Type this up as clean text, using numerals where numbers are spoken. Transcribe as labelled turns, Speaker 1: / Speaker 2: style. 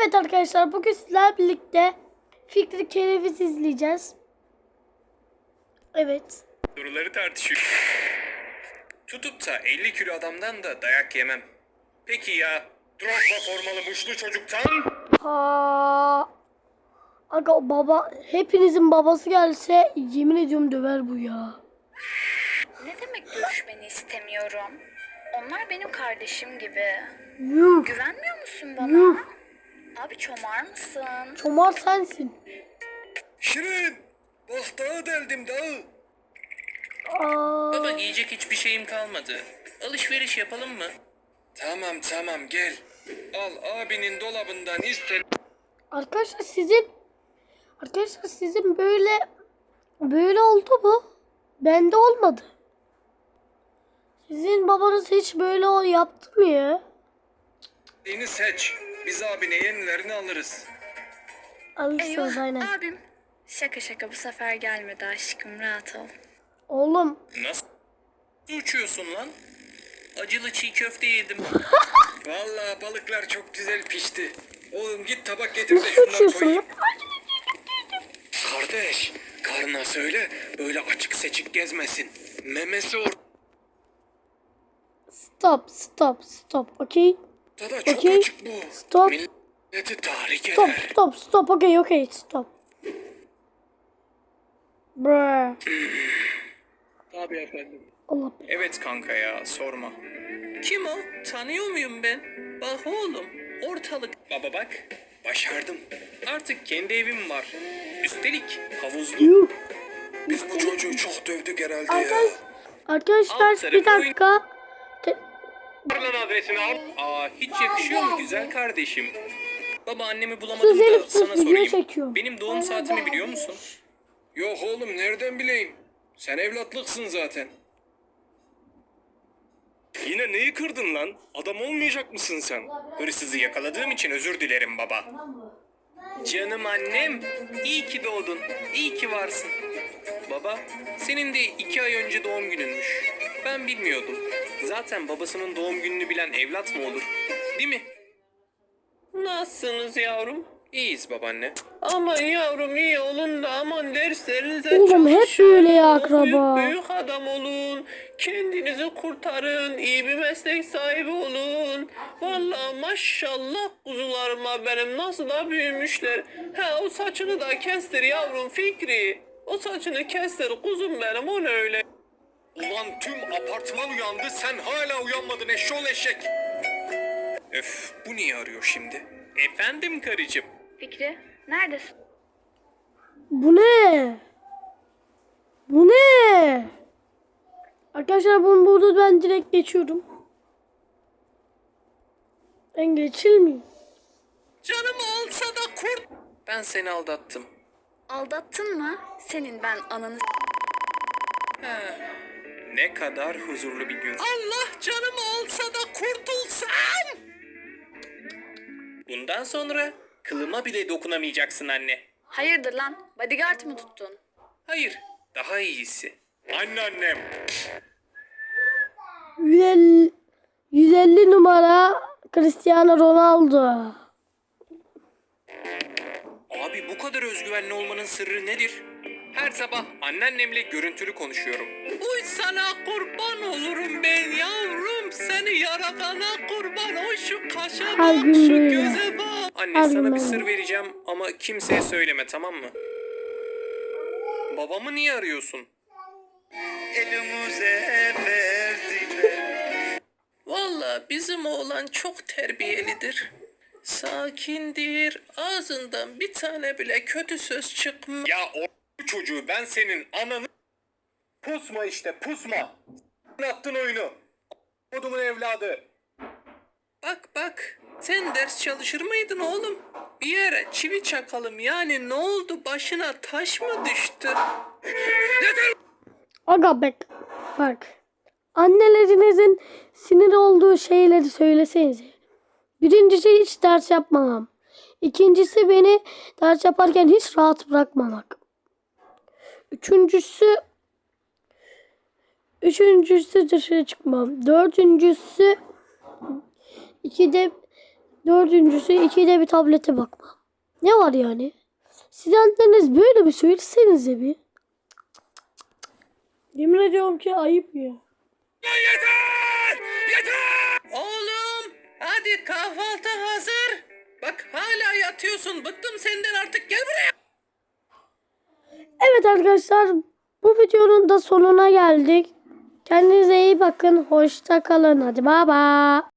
Speaker 1: Evet arkadaşlar, bugün sizlerle birlikte Fikri Kereviz izleyeceğiz. Evet.
Speaker 2: Soruları tartışıyor. Tutup da 50 kilo adamdan da dayak yemem. Peki ya Drogba formalı muşlu çocuktan?
Speaker 1: Aga baba, hepinizin babası gelse yemin ediyorum döver bu ya.
Speaker 3: Ne demek görüşmeni istemiyorum? Onlar benim kardeşim gibi.
Speaker 1: Yuh.
Speaker 3: Güvenmiyor musun
Speaker 1: Yuh.
Speaker 3: bana? Abi çomar mısın?
Speaker 1: Çomar sensin.
Speaker 2: Şirin! Bak dağı deldim dağı.
Speaker 1: Aa,
Speaker 2: Baba giyecek hiçbir şeyim kalmadı. Alışveriş yapalım mı? Tamam gel. Al abinin dolabından iste.
Speaker 1: arkadaşlar sizin böyle oldu mu? Bende olmadı. Sizin babanız hiç böyle yaptı mı ya?
Speaker 2: Yeni seç. Biz abine yenilerini alırız.
Speaker 1: Alırsınız
Speaker 3: Eyvah
Speaker 1: aynen.
Speaker 3: abim. Şaka bu sefer gelmedi aşkım, rahat ol.
Speaker 1: Oğlum
Speaker 2: Nasıl uçuyorsun lan? Acılı çiğ köfte yedim. Vallahi balıklar çok güzel pişti. Oğlum git tabak getir de
Speaker 1: nasıl
Speaker 2: şunları
Speaker 1: uçuyorsun
Speaker 2: koyayım.
Speaker 1: lan?
Speaker 2: Kardeş, karına söyle böyle açık seçik gezmesin. Memesi
Speaker 1: Stop. Okay.
Speaker 2: ortada çok
Speaker 1: Okey.
Speaker 2: açık bu.
Speaker 1: Stop.
Speaker 2: Milleti tahrik eder.
Speaker 1: Stop. Okay, stop. Bruh.
Speaker 2: Tabii efendim.
Speaker 1: Allah be.
Speaker 2: Evet kanka ya sorma. Kim o? Tanıyor muyum ben? Bak oğlum ortalık. Baba bak başardım. Artık kendi evim var. Üstelik havuzlu.
Speaker 1: Yuh.
Speaker 2: Biz bu çocuğu çok dövdük herhalde
Speaker 1: Arkadaşlar
Speaker 2: Alt tarafı
Speaker 1: bir dakika.
Speaker 2: Lan adresini al. Aa hiç yakışıyor mu güzel kardeşim? Baba annemi bulamadım
Speaker 1: Sus
Speaker 2: da
Speaker 1: Elif, sus,
Speaker 2: sana
Speaker 1: video
Speaker 2: sorayım.
Speaker 1: çekiyorum.
Speaker 2: Benim doğum saatimi biliyor musun? Yok oğlum nereden bileyim? Sen evlatlıksın zaten. Yine neyi kırdın lan? Adam olmayacak mısın sen? Hırsızı yakaladığım için özür dilerim baba. Canım annem, iyi ki doğdun, iyi ki varsın. Baba, senin de 2 ay önce doğum gününmüş. Ben bilmiyordum. Zaten babasının doğum gününü bilen evlat mı olur? Değil mi? Nasılsınız yavrum? İyiyiz babaanne. Aman yavrum iyi olun da aman derslerinize
Speaker 1: Oğlum hep
Speaker 2: çalışın.
Speaker 1: böyle ya akraba.
Speaker 2: Büyük adam olun. Kendinizi kurtarın. İyi bir meslek sahibi olun. Vallahi maşallah kuzularıma benim nasıl da büyümüşler. Ha o saçını da kestir yavrum Fikri. O saçını kestir kuzum benim o ne öyle. Ulan tüm apartman uyandı sen hala uyanmadın eşşoğlu eşek. Öf bu niye arıyor şimdi? Efendim karıcığım.
Speaker 3: Fikri, neredesin?
Speaker 1: Bu ne? Bu ne? Arkadaşlar bunu burada ben direkt geçiyorum. Ben geçilmeyeyim.
Speaker 2: Canım olsa da kurt. Ben seni aldattım.
Speaker 3: Aldattın mı? Senin ben ananı...
Speaker 2: Ne kadar huzurlu bir gün. Allah canım olsa da kurtulsam. Bundan sonra kılıma bile dokunamayacaksın anne.
Speaker 3: Hayırdır lan? Bodyguard mı tuttun?
Speaker 2: Hayır, daha iyisi. Anneannem.
Speaker 1: 150 numara Cristiano Ronaldo.
Speaker 2: Abi bu kadar özgüvenli olmanın sırrı nedir? Her sabah anneannemle görüntülü konuşuyorum. Uy sana kurban olurum ben yavrum. Seni yaratana kurban. O şu kaşa
Speaker 1: Her
Speaker 2: bak,
Speaker 1: gün
Speaker 2: şu
Speaker 1: böyle.
Speaker 2: göze bak. Anne
Speaker 1: Her
Speaker 2: sana
Speaker 1: gün
Speaker 2: bir
Speaker 1: böyle.
Speaker 2: sır vereceğim ama kimseye söyleme tamam mı? Babamı niye arıyorsun?
Speaker 4: Elimize verdiler.
Speaker 2: Valla bizim oğlan çok terbiyelidir. Sakindir. Ağzından bir tane bile kötü söz çıkmaz. Ya o çocuğu ben senin ananı... Pusma işte pusma. Attın oyunu. Kodumun evladı. Bak sen ders çalışır mıydın oğlum? Bir yere çivi çakalım yani ne oldu başına taş mı düştü?
Speaker 1: Aga bak. Annelerinizin sinir olduğu şeyleri söylesenize. Birincisi hiç ders yapmamam. İkincisi beni ders yaparken hiç rahat bırakmamak. Üçüncüsü dışarı çıkmam. Dördüncüsü Dördüncüsü ikide bir tablete bakma. Ne var yani? Siz anneniz böyle bir söylesenize bir. Yemin ediyorum ki ayıp ya.
Speaker 2: Yeter! Yeter! Oğlum hadi kahvaltı hazır. Bak hala yatıyorsun. Bıktım senden artık gel buraya.
Speaker 1: Evet arkadaşlar, bu videonun da sonuna geldik. Kendinize iyi bakın. Hoşça kalın. Hadi baba.